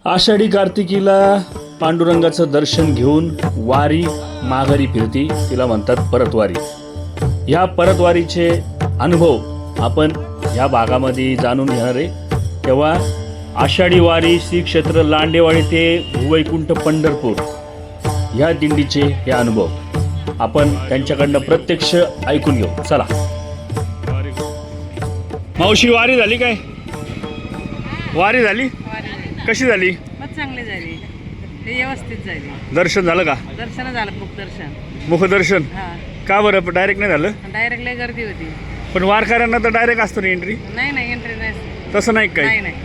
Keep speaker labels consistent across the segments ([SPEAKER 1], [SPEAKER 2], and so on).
[SPEAKER 1] आषाढी कार्तिकीला पांडुरंगाचं दर्शन घेऊन वारी माघारी फिरती, तिला म्हणतात परतवारी. ह्या परतवारीचे अनुभव आपण ह्या भागामध्ये जाणून घेणार आहे. तेव्हा आषाढी वारी श्री क्षेत्र लांडेवाडी ते वैकुंठ पंढरपूर ह्या दिंडीचे हे अनुभव आपण त्यांच्याकडनं प्रत्यक्ष ऐकून घेऊ. चला. मावशी, वारी झाली काय? वारी झाली? कशी झाली?
[SPEAKER 2] चांगली झाली, व्यवस्थित झाली.
[SPEAKER 1] दर्शन झालं का?
[SPEAKER 2] दर्शन झालं, मुखदर्शन.
[SPEAKER 1] मुखदर्शन
[SPEAKER 2] हा,
[SPEAKER 1] का बरं डायरेक्ट नाही झालं?
[SPEAKER 2] डायरेक्ट लय गर्दी होती.
[SPEAKER 1] पण वारकऱ्यांना तर डायरेक्ट असतो ना एंट्री?
[SPEAKER 2] नाही नाही, एंट्री नाही.
[SPEAKER 1] तसं नाही
[SPEAKER 2] नाही
[SPEAKER 1] काय?
[SPEAKER 2] नाही,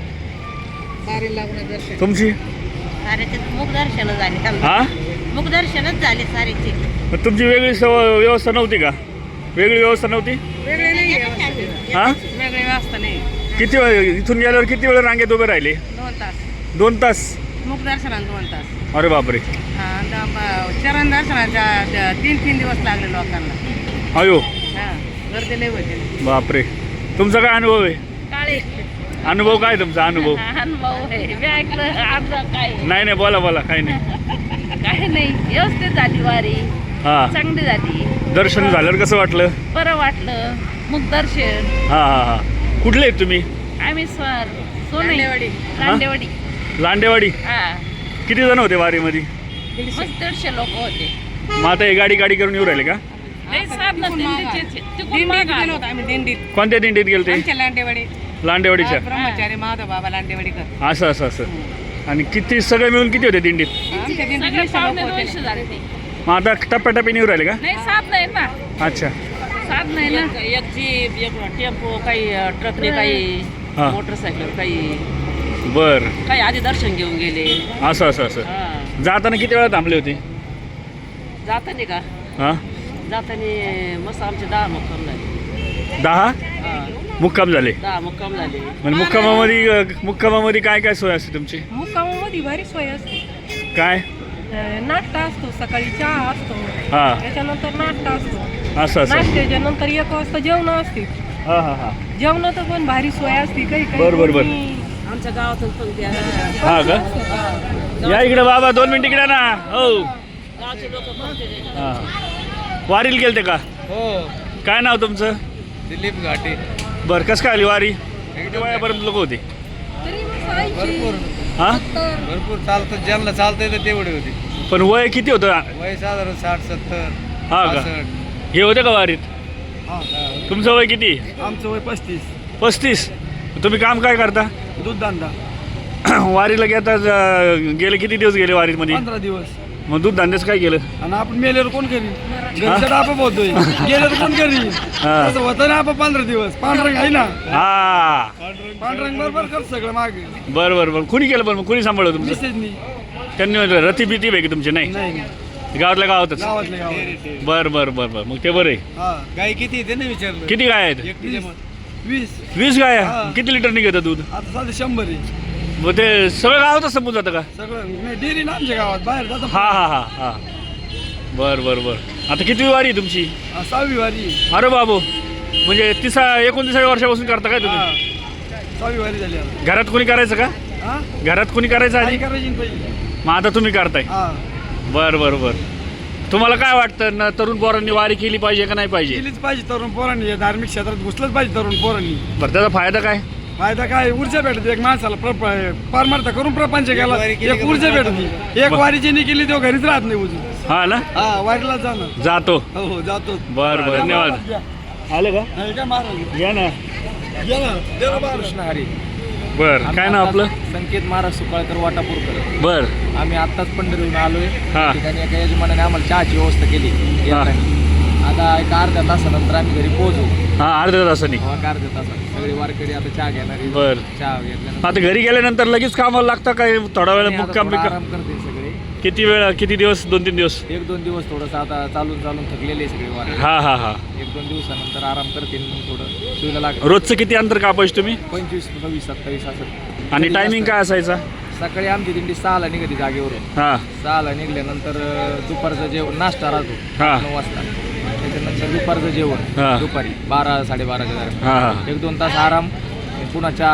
[SPEAKER 2] दारी लागून दर्शन.
[SPEAKER 1] तुमची?
[SPEAKER 2] सारेचे मुखदर्शन झाले.
[SPEAKER 1] हा,
[SPEAKER 2] मुखदर्शनच झाले सारेचे.
[SPEAKER 1] पण तुमची वेगळी व्यवस्था नव्हती का? वेगळी व्यवस्था नव्हती?
[SPEAKER 2] वेगळे नाही व्यवस्थित.
[SPEAKER 1] हा,
[SPEAKER 2] वेगळी व्यवस्था नाही.
[SPEAKER 1] किती वेळ इथून गेल्यावर किती वेळ रांगेत उभे राहिले?
[SPEAKER 2] 2 तास
[SPEAKER 1] 2 तास?
[SPEAKER 2] मुखदर्शनाला 2 तास.
[SPEAKER 1] अरे बापरे.
[SPEAKER 2] हा, चरण दर्शनाच्या 3 दिवस लागले लोकांना.
[SPEAKER 1] अयो
[SPEAKER 2] हा, गर्दी लय होते.
[SPEAKER 1] बापरे. तुमचा काय अनुभव आहे?
[SPEAKER 2] काळे
[SPEAKER 1] अनुभव काय तुमचा अनुभव?
[SPEAKER 2] अनुभव आहे. मी ऐकलं अर्धा काय
[SPEAKER 1] नाही नाही, बोला बोला. काही नाही.
[SPEAKER 2] काही नाही, व्यवस्थित झाली वारी,
[SPEAKER 1] हा,
[SPEAKER 2] चांगली झाली.
[SPEAKER 1] दर्शन झाल्यावर कसं वाटलं?
[SPEAKER 2] बरं वाटलं. मुखदर्शन.
[SPEAKER 1] हा हा हा. कुठले आहेत तुम्ही?
[SPEAKER 2] आम्ही सोनई लांडेवाडी.
[SPEAKER 1] लांडेवाडी.
[SPEAKER 2] हा,
[SPEAKER 1] किती जण होते वारीमध्ये?
[SPEAKER 2] मस्त 150 लोक होते.
[SPEAKER 1] मग आता हे गाडी गाडी करून येऊ राहिले का?
[SPEAKER 2] लय साधनं दिंडीचे. दिंडीत गेलो होतो आम्ही, दिंडीत.
[SPEAKER 1] कोणत्या दिंडीत गेलते?
[SPEAKER 2] आमच्या लांडेवाडी.
[SPEAKER 1] लांडेवाडीच्या.
[SPEAKER 2] ब्रह्मचारी माधव बाबा लांडेवाडीकर.
[SPEAKER 1] असं असं असं. आणि किती सगळे मिळून किती होते दिंडीत?
[SPEAKER 2] आमच्या दिंडीत 200 झाले ते.
[SPEAKER 1] मग आता टप्प्याटप्प्याने येऊ राहिले का?
[SPEAKER 2] नाही, साध नाही ना.
[SPEAKER 1] अच्छा.
[SPEAKER 2] साध नाही ना. एक जीप, एक टेम्पो, काही ट्रकने, काही
[SPEAKER 1] हा.
[SPEAKER 2] मोटरसायकल, काही
[SPEAKER 1] बर.
[SPEAKER 2] काही आधी दर्शन घेऊन गेले.
[SPEAKER 1] असं असं असं.
[SPEAKER 2] हा.
[SPEAKER 1] जाताना किती वेळा थांबले होते?
[SPEAKER 2] जाताना का?
[SPEAKER 1] हा,
[SPEAKER 2] जाताना मस्त आमचे 10 मुक्काम झाले.
[SPEAKER 1] 10
[SPEAKER 2] हा,
[SPEAKER 1] मुक्काम झाले.
[SPEAKER 2] 10 मुक्काम झाले.
[SPEAKER 1] म्हणजे मुक्कामामध्ये काय काय सोय असते तुमची?
[SPEAKER 2] मुक्कामामध्ये भारी सोय असते.
[SPEAKER 1] काय?
[SPEAKER 2] नाश्ता असतो, सकाळी चहा असतो,
[SPEAKER 1] हा,
[SPEAKER 2] त्याच्यानंतर नाश्ता असतो.
[SPEAKER 1] असं असं.
[SPEAKER 2] नाश्त्याच्या नंतर 1 वाजता जेवण असते.
[SPEAKER 1] हा हा हा.
[SPEAKER 2] जेवणाचं पण भारी सोय असते. काही
[SPEAKER 1] बर बर बर.
[SPEAKER 2] आमच्या गावातून पंक्ती
[SPEAKER 1] हा का? या इकडे बाबा, 2 मिनिट इकडे ना. हो,
[SPEAKER 2] गावचे लोक पंक्ती.
[SPEAKER 1] हा. वारीला गेलते का?
[SPEAKER 3] हो,
[SPEAKER 1] काय नाव तुमचं?
[SPEAKER 3] दिलीप घाटे.
[SPEAKER 1] बरं, कसं काय आली वारी? किती वयापर्यंत लोक होते?
[SPEAKER 3] भरपूर
[SPEAKER 1] हा,
[SPEAKER 3] भरपूर चालतं, ज्यांना चालतंय तर तेवढे होते.
[SPEAKER 1] पण वय किती होतं?
[SPEAKER 3] वय साधारण 60-70.
[SPEAKER 1] हा का? हे होते का वारीत? तुमचं वय किती?
[SPEAKER 3] आमचं वय 35.
[SPEAKER 1] 35. तुम्ही काम काय करता?
[SPEAKER 3] दूध धंदा.
[SPEAKER 1] वारीला गेले किती दिवस गेले वारीमध्ये?
[SPEAKER 3] 15 दिवस.
[SPEAKER 1] मग दूध धंद्याच काय केलं?
[SPEAKER 3] आणि आपण मेल्यावर कोण करी? घरचं आपण बोलतोय, गेलं तर कोण करी?
[SPEAKER 1] हा.
[SPEAKER 3] तसं होतं ना. आपण 15 दिवस पांढरंग आहे ना.
[SPEAKER 1] हा,
[SPEAKER 3] पांढरंग बरोबर कर सगळं मागे.
[SPEAKER 1] बरं बरं बरं. कुणी केलं? पण मग कुणी सांभाळलं तुमचं?
[SPEAKER 3] मिसेसनी.
[SPEAKER 1] त्यांनी म्हटलं रती भीती पैकी तुमची? नाही,
[SPEAKER 3] नाही,
[SPEAKER 1] गावातल्या गावातच.
[SPEAKER 3] गावातले गावात.
[SPEAKER 1] बरं बरं बरं बरं. मग ते बरं आहे.
[SPEAKER 3] हा, गाय किती येते ना विचारलं?
[SPEAKER 1] किती गाय आहेत?
[SPEAKER 3] 20.
[SPEAKER 1] 20 गाय.
[SPEAKER 3] हा.
[SPEAKER 1] किती लिटर निघतं दूध?
[SPEAKER 3] आता साधे 100 आहे.
[SPEAKER 1] मग ते सगळं गावातच संपून जातं का?
[SPEAKER 3] सगळं नाही, डेअरी ना आमच्या गावात, बाहेर जातं.
[SPEAKER 1] हा हा हा हा. बर बर बर. आता किती वारी आहे तुमची?
[SPEAKER 3] 6वी वारी.
[SPEAKER 1] अरे बाबू, म्हणजे 29 वर्षापासून करता काय तुम्ही?
[SPEAKER 3] 6वी वारी झाली आता.
[SPEAKER 1] घरात कोणी करायचं का?
[SPEAKER 3] हा,
[SPEAKER 1] घरात कोणी करायचं
[SPEAKER 3] काय
[SPEAKER 1] आधी?
[SPEAKER 3] करायची ना पहिली?
[SPEAKER 1] मग आता तुम्ही करताय?
[SPEAKER 3] हा,
[SPEAKER 1] बर बर बर. तुम्हाला काय वाटतं ना, तरुण पोरांनी वारी केली पाहिजे का नाही पाहिजे?
[SPEAKER 3] केलीच पाहिजे तरुण पोरांनी. या धार्मिक क्षेत्रात घुसलंच पाहिजे तरुण पोरांनी.
[SPEAKER 1] बरं, त्याचा फायदा काय?
[SPEAKER 3] फायदा काय? ऊर्जा भेटते एक माणसाला. परमार्थ करून प्रपंच केला, एक ऊर्जा भेटते. एक वारीची नाही केली तेव्हा घरीच राहत नाही उजून.
[SPEAKER 1] हा ना,
[SPEAKER 3] हा, वारीला जाणं.
[SPEAKER 1] जातो.
[SPEAKER 3] हो हो, जातो.
[SPEAKER 1] बर बर, धन्यवाद. आलं का?
[SPEAKER 3] नाही का महाराज?
[SPEAKER 1] या ना.
[SPEAKER 3] या ना, देवा महाराज.
[SPEAKER 4] कृष्ण हरी.
[SPEAKER 1] बर, काय नाव आपलं?
[SPEAKER 4] संकेत महाराज सुकाळकर, वाटापूरकर.
[SPEAKER 1] बर.
[SPEAKER 4] आम्ही आत्ताच पंढरीहून आलोय.
[SPEAKER 1] हा.
[SPEAKER 4] त्या ठिकाणी एका यजमानाने आम्हाला चहाची व्यवस्था केली येताना. आता एक अर्ध्या तासानंतर आम्ही घरी पोहोचू.
[SPEAKER 1] हा, अर्ध्या तासाने.
[SPEAKER 4] एक अर्ध्या तासात सगळे वारकरी आता चहा घेणारी.
[SPEAKER 1] बर.
[SPEAKER 4] चहा घेतल्यानंतर
[SPEAKER 1] आता घरी गेल्यानंतर लगेच कामाला लागतं काय? थोडा वेळ
[SPEAKER 4] आता
[SPEAKER 1] मुक्काम
[SPEAKER 4] थोडा
[SPEAKER 1] बिक्काम?
[SPEAKER 4] आराम करते सगळे.
[SPEAKER 1] किती वेळ? किती दिवस? 2-3 दिवस?
[SPEAKER 4] 1-2 दिवस थोडंसं आता चालून चालून थकलेले सगळे वारकरी.
[SPEAKER 1] हा हा हा.
[SPEAKER 4] 1-2 दिवसानंतर आराम करतील. मग थोडं सुईला लागतं.
[SPEAKER 1] रोजचं किती अंतर कापायचं तुम्ही?
[SPEAKER 4] 25, 26, 27 असं.
[SPEAKER 1] आणि टायमिंग काय असायचा?
[SPEAKER 4] सकाळी आमची दिंडी 6ला निघते जागेवरून.
[SPEAKER 1] हा
[SPEAKER 4] 6ला निघल्यानंतर दुपारचं जेवण नाश्ता राहतो
[SPEAKER 1] हा.
[SPEAKER 4] 9 वाजता. त्याच्यानंतर दुपारचं जेवण
[SPEAKER 1] हा.
[SPEAKER 4] दुपारी 12-12:30च्या दरम्यान.
[SPEAKER 1] हा हा.
[SPEAKER 4] 1-2 तास आराम. पुन्हा चहा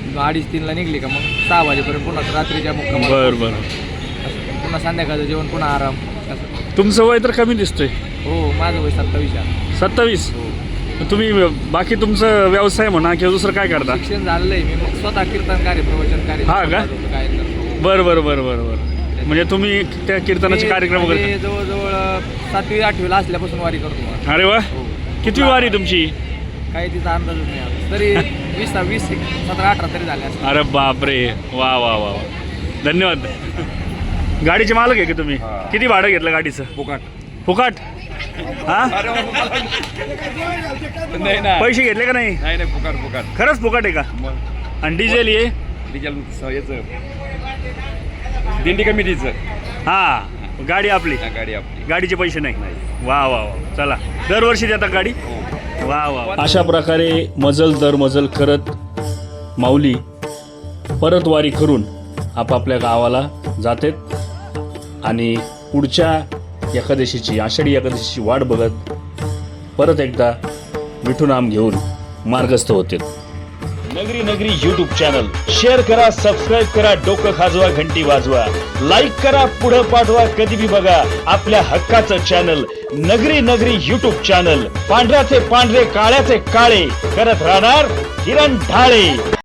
[SPEAKER 4] 2:30-3ला निघली का मग 6 वाजेपर्यंत पुन्हा रात्रीच्या मुक्कामाला.
[SPEAKER 1] बरं बरं.
[SPEAKER 4] पुन्हा संध्याकाळचं जेवण पुन्हा आराम असं.
[SPEAKER 1] तुमचं वय तर कमी दिसतंय,
[SPEAKER 4] हो माझं वय 27 आहे.
[SPEAKER 1] 27.
[SPEAKER 4] हो.
[SPEAKER 1] तुम्ही बाकी तुमचं व्यवसाय म्हणा किंवा दुसरं काय करता?
[SPEAKER 4] शिक्षण झालेलं आहे मी, मग स्वतः कीर्तनकारी प्रवचनकारी.
[SPEAKER 1] हा का?
[SPEAKER 4] काय करतो.
[SPEAKER 1] बरं बरं बरं बरं बरं. म्हणजे तुम्ही त्या कीर्तनाचे कार्यक्रम वगैरे.
[SPEAKER 4] मी जवळजवळ 7वी-8वीला असल्यापासून वारी करतो.
[SPEAKER 1] अरे वा,
[SPEAKER 4] हो.
[SPEAKER 1] किती वारी तुमची?
[SPEAKER 4] काही तिचा अंदाजच नाही आता. तरी 17-18 तरी झाले असतील.
[SPEAKER 1] अरे बापरे, वा वा वा वा. धन्यवाद. गाडीचे मालक आहे की तुम्ही? किती भाडं घेतलं गाडीचं? फुकाट. हा,
[SPEAKER 3] नाही ना,
[SPEAKER 1] पैसे घेतले का नाही?
[SPEAKER 3] नाही नाही, फुकाट
[SPEAKER 1] खरंच फुकाट आहे का? आणि डिझेल ये?
[SPEAKER 3] डिझेल याचं दिंडी कमिटीचं.
[SPEAKER 1] हा, गाडी आपली,
[SPEAKER 3] गाडी आपली.
[SPEAKER 1] गाडीचे पैसे नाही. वा वा वा. चला, दरवर्षी देता गाडी? वा वा. अशा प्रकारे मजल दर मजल करत माऊली परत वारी करून आपापल्या गावाला जातात आणि पुढच्या एकादशीची, आषाढी एकादशीची वाट बघत परत एकदा विठुनाम घेऊन मार्गस्थ होते. नगरी नगरी यूट्यूब चॅनल शेअर करा, सबस्क्राईब करा, डोकं खाजवा, घंटी वाजवा, लाईक करा, पुढं पाठवा, कधी बी बघा आपल्या हक्काचं चॅनल नगरी नगरी यूट्यूब चॅनल. पांढऱ्याचे पांढरे, काळ्याचे काळे करत राहणार किरण ढाळे.